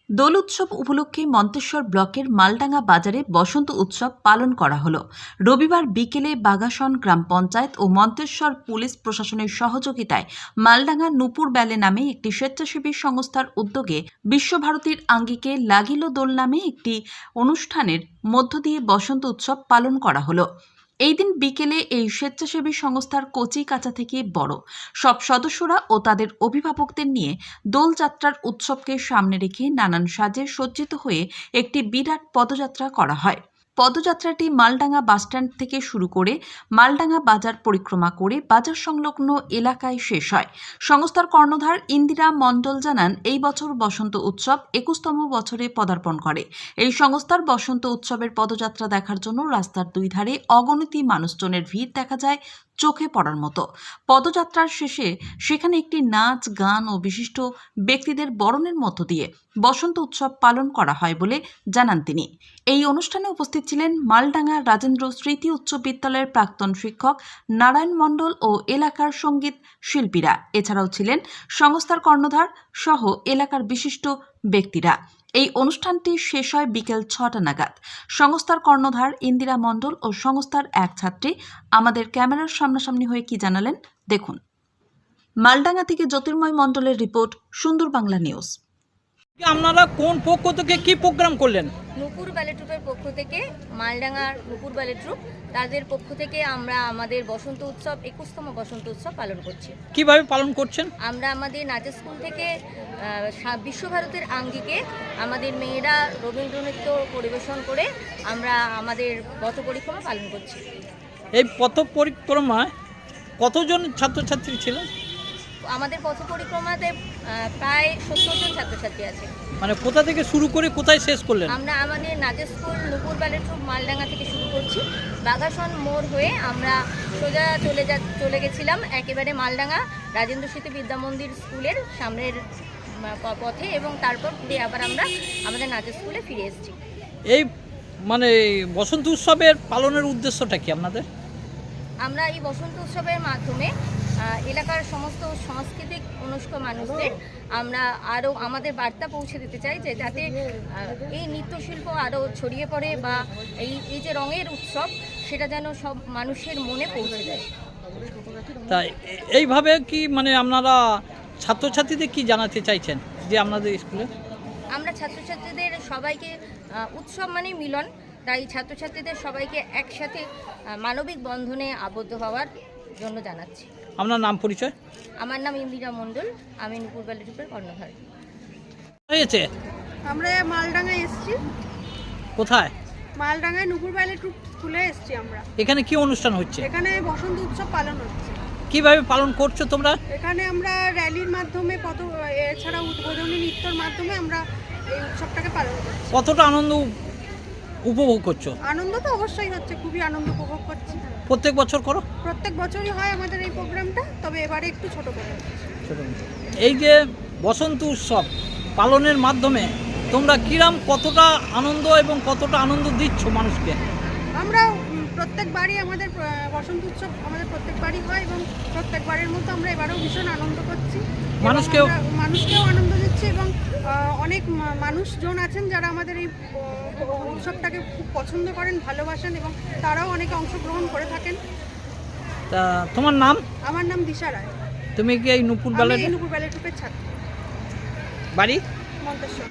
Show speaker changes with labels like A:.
A: দোল উৎসব উপলক্ষে মন্তেশ্বর ব্লকের মালডাঙ্গা বাজারে বসন্ত উৎসব পালন করা হলো। রবিবার বিকেলে বাগাসন গ্রাম পঞ্চায়েত ও মন্তেশ্বর পুলিশ প্রশাসনের সহযোগিতায় মালডাঙ্গা নূপুর ব্যালে নামে একটি স্বেচ্ছাসেবী সংস্থার উদ্যোগে বিশ্বভারতীর আঙ্গিকে লাগিল দোল নামে একটি অনুষ্ঠানের মধ্য দিয়ে বসন্ত উৎসব পালন করা হলো। এই দিন বিকেলে এই স্বেচ্ছাসেবী সংস্থার কচি কাঁচা থেকে বড় সব সদস্যরা ও তাদের অভিভাবকদের নিয়ে দোলযাত্রার উৎসবকে সামনে রেখে নানান সাজে সজ্জিত হয়ে একটি বিরাট পদযাত্রা করা হয়। পদযাত্রাটি মালডাঙ্গা বাসস্ট্যান্ড থেকে শুরু করে মালডাঙ্গা বাজার পরিক্রমা করে বাজার সংলগ্ন এলাকায় শেষ হয়। সংস্থার কর্ণধার ইন্দিরা মণ্ডল জানান, এই বছর বসন্ত উৎসব 21তম বছরে পদার্পণ করে। এই সংস্থার বসন্ত উৎসবের পদযাত্রা দেখার জন্য রাস্তার দুই ধারে অগণিত মানুষজনের ভিড় দেখা যায় চোখে পড়ার মতো। পদযাত্রার শেষে সেখানে একটি নাচ গান ও বিশিষ্ট ব্যক্তিদের বরণের মধ্য দিয়ে বসন্ত উৎসব পালন করা হয় বলে জানান তিনি। এই অনুষ্ঠানে উপস্থিত ছিলেন মালডাঙ্গা রাজেন্দ্র স্মৃতি উচ্চ বিদ্যালয়ের প্রাক্তন শিক্ষক নারায়ণ মণ্ডল ও এলাকার সঙ্গীত শিল্পীরা। এছাড়াও ছিলেন সংস্থার কর্ণধার সহ এলাকার বিশিষ্ট ব্যক্তিরা। এই অনুষ্ঠানটি শেষ হয় বিকেল 6টা নাগাদ। সংস্থার কর্ণধার ইন্দিরা মণ্ডল ও সংস্থার এক ছাত্রী আমাদের ক্যামেরার সামনাসামনি হয়ে কি জানালেন দেখুন। মালডাঙ্গা থেকে জ্যোতির্ময় মণ্ডলের রিপোর্ট, সুন্দর বাংলা নিউজ।
B: আপনারা কোন পক্ষ থেকে কি প্রোগ্রাম করলেন?
C: নূপুর ব্যালে ট্রুপের পক্ষ থেকে, মালডাঙ্গার নূপুর ব্যালে ট্রুপ, তাদের পক্ষ থেকে আমরা আমাদের বসন্ত উৎসব 21তম বসন্ত উৎসব পালন করছি।
B: কিভাবে পালন করছেন?
C: আমরা আমাদের নাচের স্কুল থেকে বিশ্বভারতের আঙ্গিকে আমাদের মেয়েরা রবীন্দ্রনৃত্য পরিবেশন করে আমরা আমাদের পথ পরিক্রমা পালন করছি।
B: এই পথ পরিক্রমায় কতজন ছাত্রছাত্রী ছিলেন?
C: আমাদের পথ পরিক্রমাতে প্রায় 70 জন ছাত্রছাত্রী আছে।
B: মানে কোথা থেকে শুরু করে কোথায় শেষ করলেন?
C: আমরা আমাদের নাচের স্কুল নূপুর ব্যালে ট্রুপ মালডাঙ্গা থেকে শুরু করছি। বাগাসন মোড় হয়ে আমরা সোজা চলে গেছিলাম একেবারে মালডাঙ্গা রাজেন্দ্র স্মৃতি বিদ্যা মন্দির স্কুলের সামনের পথে, এবং তারপর ঘুরে আবার আমরা আমাদের নাচের স্কুলে ফিরে এসেছি।
B: এই মানে বসন্ত উৎসবের পালনের উদ্দেশ্যটা কি আপনাদের?
C: আমরা এই বসন্ত উৎসবের মাধ্যমে এলাকার সমস্ত সাংস্কৃতিক অনুষ্ঠ মানুষদের আমরা আরও আমাদের বার্তা পৌঁছে দিতে চাই যে যাতে এই নৃত্যশিল্প আরও ছড়িয়ে পড়ে, বা এই যে রঙের উৎসব সেটা যেন সব মানুষের মনে পৌঁছে যায়।
B: তাই এইভাবে কি মানে আপনারা ছাত্রছাত্রীদের কি জানাতে চাইছেন যে আপনাদের স্কুলে?
C: আমরা ছাত্রছাত্রীদের সবাইকে উৎসব মানে মিলন, তাই ছাত্রছাত্রীদের সবাইকে একসাথে মানবিক বন্ধনে আবদ্ধ হওয়ার জন্য জানাচ্ছি।
B: আপনার নাম পরিচয়?
C: আমার নাম ইন্দিরা মণ্ডল, আমি নূপুর ব্যালে ট্রুপের কর্ণধার।
B: হয়েছে
D: আমরা মালডাঙ্গায় এসেছি।
B: কোথায়?
D: মালডাঙ্গায় নূপুর ব্যালে ট্রুপ স্কুলে এসেছি আমরা।
B: এখানে কি অনুষ্ঠান হচ্ছে?
D: এখানে বসন্ত উৎসব পালন হচ্ছে।
B: কিভাবে পালন করছো তোমরা?
D: এখানে আমরা র্যালির মাধ্যমে এছাড়া উদ্বোধনী নৃত্যর মাধ্যমে আমরা এই উৎসবটাকে পালন করছি।
B: কতটা আনন্দ উপভোগ করছো?
D: আনন্দ তো অবশ্যই হচ্ছে, খুবই আনন্দ উপভোগ করছি।
B: প্রত্যেক বছর করো?
D: প্রত্যেক বছরই হয় আমাদের এই প্রোগ্রামটা, তবে এবারে একটু ছোট করে হচ্ছে।
B: এই যে বসন্ত উৎসব পালনের মাধ্যমে তোমরা কিরাম কতটা আনন্দ এবং কতটা আনন্দ দিচ্ছ মানুষকে?
D: আমরা প্রত্যেকবারই আমাদের বসন্ত উৎসব আমাদের প্রত্যেকবারই হয়, এবং প্রত্যেকবারের মতো আমরা এবারেও ভীষণ আনন্দ করছি। মানুষকেও আনন্দ দিচ্ছি, এবং অনেক মানুষজন আছেন যারা আমাদের এই উৎসবটাকে খুব পছন্দ করেন, ভালোবাসেন, এবং তারাও অনেকে অংশগ্রহণ করে থাকেন।
B: তা তোমার নাম?
D: আমার নাম দিশা রায়।
B: তুমি কি এই নূপুর ব্যালে
D: ট্রুপের ছাত্র।
B: বাড়ি?
D: মন্তেশ্বর।